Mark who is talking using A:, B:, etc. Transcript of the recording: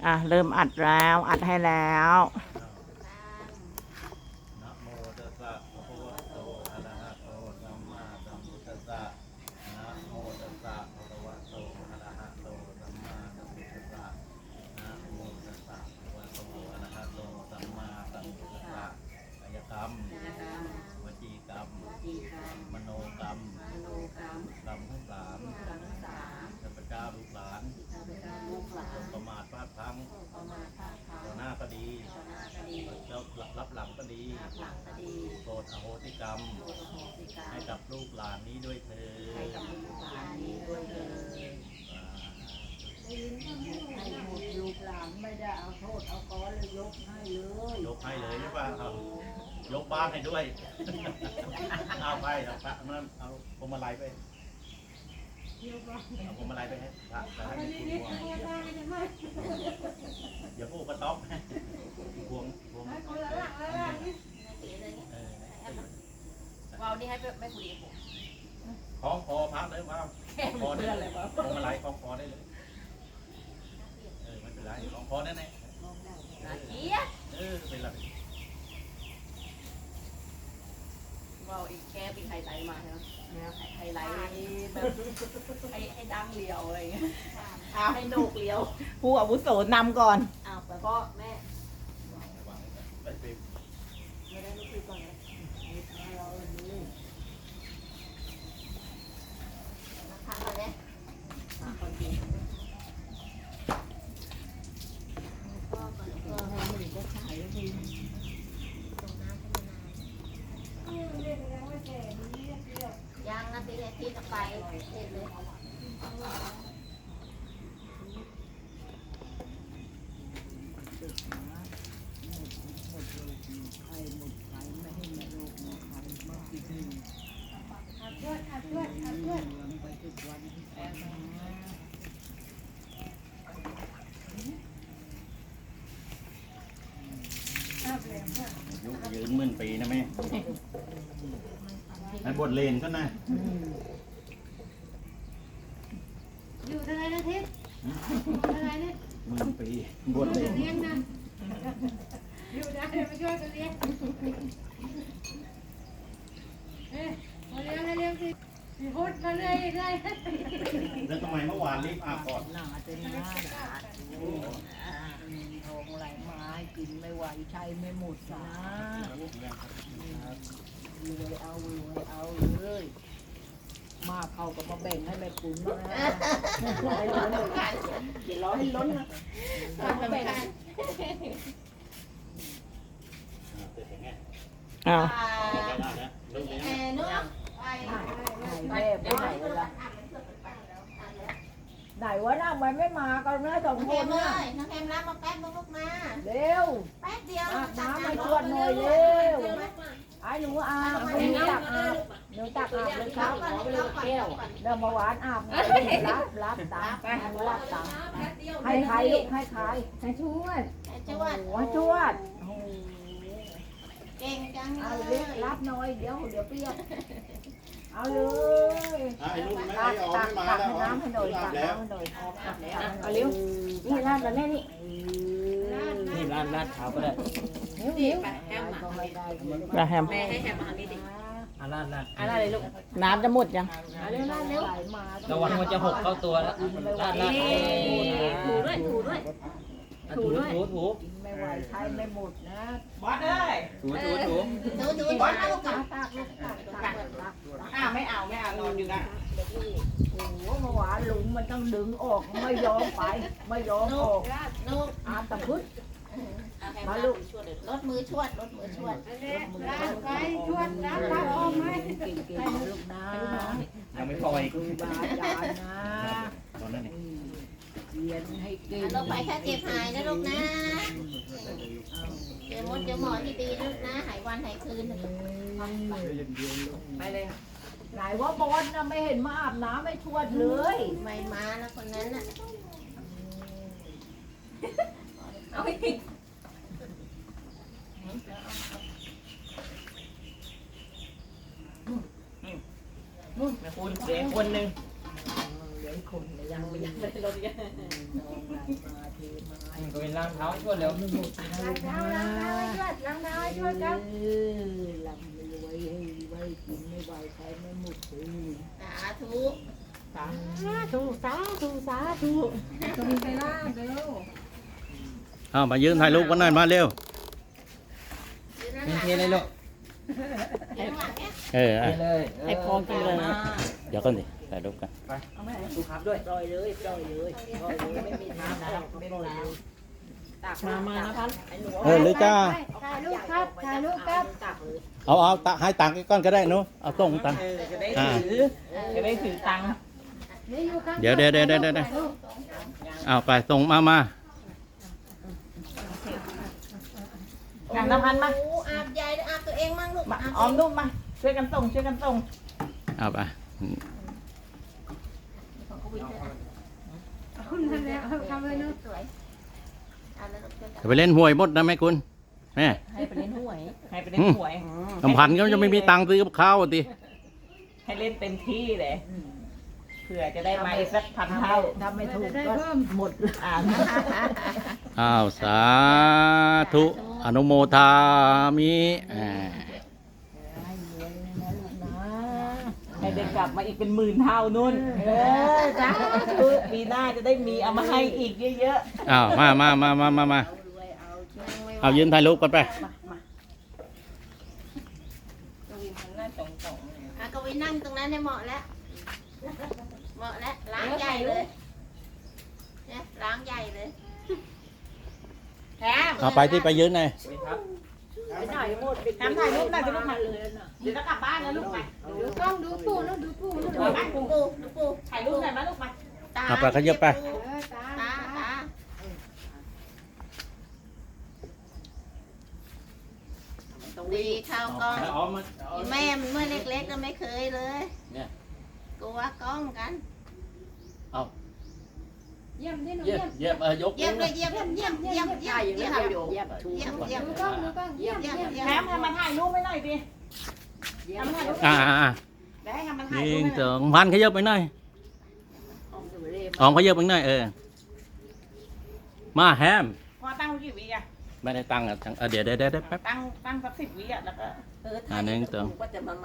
A: เริ่มอัดแล้วอัดให้แล้ว
B: นะโมตัสสะภะคะวะโตอะระหะโตสัมมาสัมพุทธัสสะนะโมตัสสะภะคะวะโตอะระหะโตสัมมาสัมพุทธัสสะนะโมตัสสะภะคะวะโตอะระหะโตสัมมาสัมพุทธัสสะกายกรรมวจีกรรมมโนกรรมกรรมทั้งสามข้าพเจ้าลูกหลานจงประมาทพลาดพลั้งต่อหน้าก็ดีเจ้ารับหลังก็ดีโปรดอโหสิกรรมให้กับลูกหลานนี้ด้วยเถิด
C: ให้หมดลูกหลานไม่ได้เอาโทษเอาก้อนเลยยกให้เลย
B: ยกให้เลยใช่ป่ะครับยกบ้านให้ด้วย เอาไปเอาพระนั่นเอาพวงมาลัยไปเอาพวงมาลัยไปให้พระจะให้คุณพวงอย่าพูดกระต๊อบพวง
D: ว้าวนี่ให้ไม่คุยกับผม
B: คล้องคอพักเลยว่าคอได้เลยพวงมาลัยคล้องคอได้เลยไม่เป็นไรคล้องคอได้ไหมเป็นไร
D: ว้าวอีกแค่เป็นไฮไลท์มาใช่ไหมไฮไลท์แบบให้ดังเลียวอะไรเงี้ยให้โหนกเลียว
A: ผู้อาวุโสนำก่อน
D: แต่ก็แม่
B: ไม่
D: ได้ลูกคือก่อนนะทำมาเนี่ยคนดียังนะตีเลยที่จะไปเด็ดเลย
B: ยืนหมื่นปีนะแม่ในบทเลนก็นะ
D: อยู่ทางไหนนะทิศทางไหนเนี่ย
B: หมื่นปีบทเลน
D: เลี้ยงนะอยู่ได้มาช่วยกันเลี้ยงมาเลี้ยงสิพุทธมาเรื่อย
B: แล้วทำไมเมื่อวานรีบอาบก่อน
C: หนาเต็มหน้าทองไหลไม้กินไม่ไหวใช้ไม่หมดนะรวยเอาเลยมาเขาก็มาแบ่งให้แม่ปุ๋มนะให้ล้นอย่าร้อยให้ล้นนะมาแบ่ง
A: อ้าว
C: แม่ไปไหนล่ะไหนวะน้าไม่มากันนะสองคนนะ
D: น้องแอมรับมาแป๊บลูกมา
C: เร็ว
D: แป๊บเดียว
C: น้ำไม่ชวนหน่อยเร็วไอ้หนูอาบหนูตักอาบเลยครับขอไปเลยแก้วเดิมมาหวานอาบรับตามให้ใครลูกให้ใครให้ชวด
D: เก่งจัง
C: เอาเล็กรับหน่อยเดี๋ยวเปียกเอาเลยตักน้ำให้หน่อยเอาเร็วนี่ราดแล้วแม่นี่
E: ราดเท้าก็ได้
A: แฮม
D: แม่ให้แฮมมาทางนี้ดิ
E: ราด
D: อะไรลูก
A: น้ำจะหมดยัง
D: เร็ว
E: ระวังมันจะหกเข้าตัวแล้วราด
D: ถูด้วยถู
C: ไม่ไหวใช้ไม่หมดนะ
A: บอสเลย
E: ถู
D: บอสลูก
C: ตัก
A: ไม่เอานอนอยู่นะ
C: โอ้โหเมื่อวานหลุมมันต้องดึงออกไม่ยอมไปไม่ยอมออกอาตะพึ่งมาลูก
D: รถมือชวด
C: ไปชวดรับออกไหมเก่งลูกนะ
E: ยังไม่พออีก
C: ครูบาอาจารย์นะ
E: ตอนนั้น
C: เรียนให้เก่ง
D: เราไปแค่เจ็บหายนะลูกนะเจอมดเจอหมอที่ดีลูกนะหายวันหายคืน
C: ไปเลยไหนว่าบอลนะไม่เห็นมาอาบน้ำไม่ชวดเลย
D: ไม่มาแล้วคนนั้นน่ะเอาไป
A: นู่นแม่คุณเสียคนหนึ่ง
C: คนยังไม่ได้ลดกัน
E: เป็นล้างเท้าช่วยเร็ว
C: ล้างเท้าให้ช่วยครับลำไม่ไว้ให้ไว้กินไม่ไหวใช้ไม่หมดเลย
D: สาธุ
C: สาธุสาธุสาธุ
B: เอามายืนถ่ายรูปกันหน่อยมาเร็ว
E: กินเทเลยลูก
B: เออ
E: เทเลย
A: ให้พรกินเลย
B: เดี๋ยวก่อนดิถ่ายรูปกัน
E: เอาไหมดูครับด้วย
C: ปล่อยเลยปล่อยเลยปล่อยเลยไม่มีน้ำแล้วปล่อยเลย
A: มานะพัน
B: หรือจ้า
C: ถ่ายรูปครับถ่ายรูปครับ
B: เอาให้ตังค์ก้อนก็ได้หนูเอาส่งตังค์
A: จะได้ถือจะได้ถือตังค์
C: นี่อยู่ข้าง
B: เดี๋ยวเอาไปส่งมา
A: อย่างละพันมา
D: อาบใหญ่อาบตัวเองมั่งลูก
A: มาออมลูกมาช่วยกันส่งช่วยกันส่ง
B: เอาไป
C: คุณทำแล้วทำเลยเนาะ
D: สวยเอาแล้วลูก
B: จะไปเล่นหวยหมดนะแม่คุณแม่
A: ให้ไปเล่นหวยให้ไปเล่นหวย
B: ลำพันธ์ก็จะไม่มีตังค์ซื้อกับข้าวดิ
A: ให้เล่นเต็มที่เลยเผื่อจะได้มาอีกสักพันเท่า
C: ทำไม่ถูกก็หมด
B: อ้าวสาธุอนุโมทามิ
A: ให้ได้กลับมาอีกเป็นหมื่นเท่านู่นจ้าคือปีหน้าจะได้มีเอามาให้อีกเยอะ
B: อ้าวมาเอายืนถ่ายรูปกันไป
D: ก็ไปนั่งตรงนั้นเนี่ยเหมาะแล้วเหมาะแล้วล้างใหญ่เลยเนี่ยล้างใหญ่เลยแถม
B: เอาไปที่ไปยืนหน่อย
E: ครับ
C: ไปไหนหมด
A: ๆทำถ่ายรูปหน่อยจะลูกมาเดี๋ยวจะกลับบ้านแล้วลูกไป
C: ดูกล้องดูปู่แล้วดูปู่แล้ว
A: ดูไป
D: ดูปู
A: ถ่ายรูปหน่อยมาลูกมา
D: ตา
B: เอาไปขยับไป
C: ตา
D: ตาดีข้าวกล้อง
E: เอามา
D: แม่มันเมื่อเล็กๆก็ไม่เคยเลย
E: เนี่ย
D: กลัวกล้องกัน
C: เยี่ยมดิหนู
E: เยี่ย
C: เยี่ย
E: ม
C: ม
E: ยก
D: เยี่ยมเลยเยี่ยมเยี่ยมเยี่ยมเยี่ยมเยี่ยมเยี่ยมเยี่ยมเยี่ยม
C: ดูกล้องดูกล้องเยี่ยมเยี่ยมเยี่ยม
A: แถมทำมาถ่ายรูปไว้หน่อยดิทำมาถ่ายรูป ได้ให้ทำมาถ่าย
B: ยิ
A: รูป
B: ง
A: ให้ห
B: ส
A: น่อย
B: องพันขยับไปหน่อยออมขยับไปหน่อยมาแฮม
A: พอตั้งกี่วิอ่ะ
B: ไม่ได้ตังค์อ่ะเดี๋ยวแป๊บ
A: ตั้งสัก10 วิอ่ะแล้วก็
B: หนึ่งสอง
D: ก็จะมา